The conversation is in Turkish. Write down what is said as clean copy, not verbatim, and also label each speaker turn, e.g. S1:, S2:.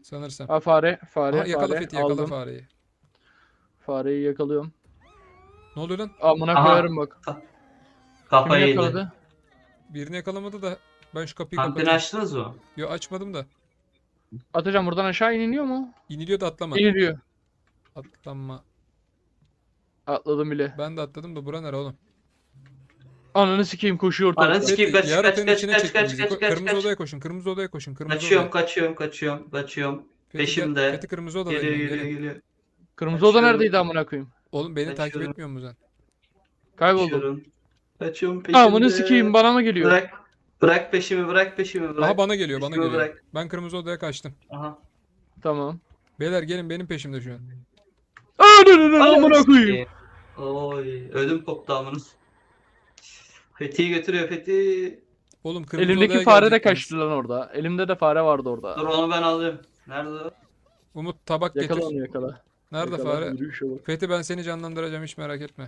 S1: Sanırsam.
S2: Ha fare, fare,
S1: Aha, yakala
S2: fare.
S1: Fethi, yakala
S2: Aldım.
S1: fareyi.
S2: Fareyi yakalıyorum.
S1: Ne oluyor lan?
S2: Amına
S3: Aha.
S2: koyarım bak. Kimi
S3: Kafayı yedi.
S2: yakaladı?
S1: Birini yakalamadı da ben şu kapıyı
S3: Kantini
S1: kapatayım.
S3: açtınız mı?
S1: Yo, açmadım da.
S2: Atacağım, buradan aşağı iniliyor mu?
S1: İniliyor da atlama.
S2: İniliyor.
S1: Atlama.
S2: Atladım bile.
S1: Ben de atladım da bura nere oğlum?
S2: Ananı sikeyim, koşuyor
S3: Ananı
S2: ortalıkta.
S3: sikeyim,
S1: Fethi,
S3: kaç,
S1: yaratanın
S3: kaç,
S1: içine
S3: kaç,
S1: çekti
S3: kaç,
S1: bizi.
S3: kaç, kaç,
S1: Kırmızı
S3: kaç.
S1: odaya koşun, kırmızı odaya koşun, kırmızı
S3: Kaçıyorum,
S1: odaya.
S3: kaçıyorum.
S1: Fethi,
S3: Peşimde.
S1: Fethi kırmızı odadayım
S3: Geliyor,
S1: ben,
S3: geliyor,
S1: gelin.
S3: geliyor.
S2: Kırmızı oda
S3: Kaçıyorum.
S2: neredeydi amına koyayım?
S1: Oğlum beni takip
S3: Kaçıyorum.
S1: etmiyor musun sen?
S2: Kayboldum.
S3: Kaçıyorum peşimde.
S2: Amına sikeyim, bana mı geliyor?
S3: Bırak. Bırak peşimi, bırak.
S1: Aha, bana geliyor, bana
S3: Peşimi
S1: geliyor.
S3: bırak.
S1: Ben kırmızı odaya kaçtım.
S3: Aha.
S2: Tamam.
S1: Beyler gelin, benim peşimde şu an.
S2: Amına koyayım.
S3: Oy, ödüm koptu amına. Fethi'yi götürüyor Fethi.
S1: Oğlum kırmızı
S2: Elimdeki
S1: odaya
S2: fare de
S1: gelecektiniz.
S2: kaçtı lan orada. Elimde de fare vardı
S3: Dur
S2: orada.
S3: onu ben alayım. Nerede o?
S1: Umut tabak
S2: Yakala
S1: getir.
S2: onu, yakala.
S1: Nerede
S2: Yakala,
S1: fare?
S2: yürüyüş olur.
S1: Fethi, ben seni canlandıracağım, hiç merak etme.